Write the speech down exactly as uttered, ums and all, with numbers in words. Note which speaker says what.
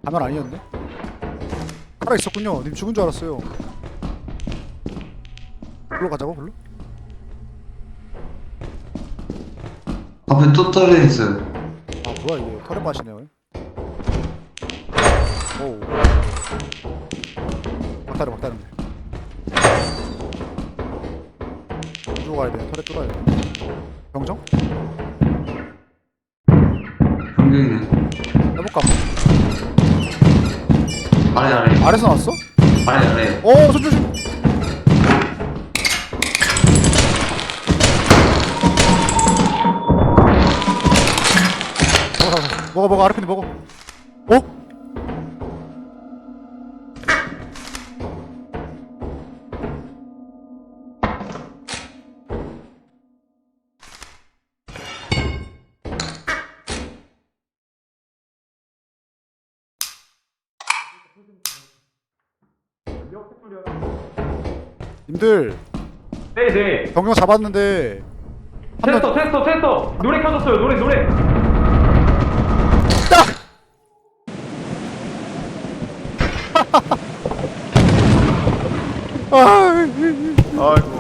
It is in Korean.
Speaker 1: 가면 아니었네? 살아있었군요. 님 죽은 줄 알았어요. 불러 가자고, 불러?
Speaker 2: 앞에 또 떨어져 있어요.
Speaker 1: 아, 뭐야, 이게. 털에 빠시네요. 오우. 막다른, 막다른. 뚫고 가야 돼. 털에 뚫어야 돼. 병정?
Speaker 2: 병경이네.
Speaker 1: 해볼까?
Speaker 2: 아래 아래
Speaker 1: 아래서 나왔어?
Speaker 2: 아래 아래.
Speaker 1: 어, 손 조심! 먹어, 먹어, 먹어, 먹어, 아르핀이 먹어. 어? 님들,
Speaker 3: 네네.
Speaker 1: 병정 잡았는데, 한 명,
Speaker 3: 테스터 테스터 테스터. 노래 켜졌어요. 노래 노래.
Speaker 1: 딱! 아,
Speaker 3: 아이고.